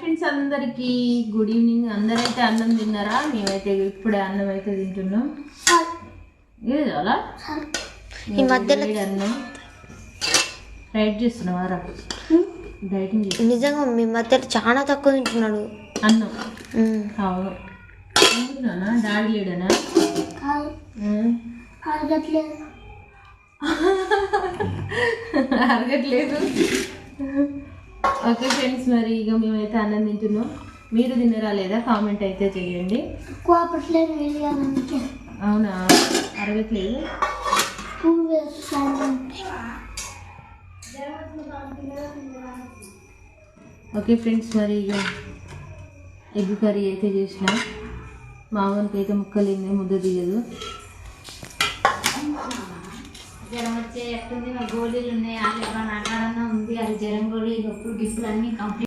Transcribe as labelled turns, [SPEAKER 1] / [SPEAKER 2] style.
[SPEAKER 1] Friends అందరికీ good evening. అందరైతే అన్నం తిన్నారా? మేమైతే ఇప్పుడే అన్నం అయితే తింటున్నాం. ఇది చాలా ఈ మధ్యలో అన్నం డైట్ చేస్తున్నావారా? డైటింగ్
[SPEAKER 2] నిజంగా మీ మధ్యలో చాలా తక్కువ తింటున్నాడు
[SPEAKER 1] అన్నం. అవును. ఎందుకునా డాడీ లేడనా? అరగట్లేదు. ఓకే ఫ్రెండ్స్, మరి ఇక మేమైతే అన్నం తింటున్నాం. మీరు తిన్నరా లేదా కామెంట్ అయితే చేయండి. అవునా, అరగట్లేదు. ఓకే ఫ్రెండ్స్, మరి ఇక ఎగ్ కర్రీ అయితే చేసిన. మామూలుకి అయితే ముక్కలేని ముద్ద తీయదు. జ్వరం వచ్చే ఎట్టుంది, మా గోళీలు ఉన్నాయి. ఆలే నాటాడన్నా ఉంది. అది జ్వరం గోళీ, ఎప్పుడు గిఫ్ట్లు అన్నీ కంప్లీట్.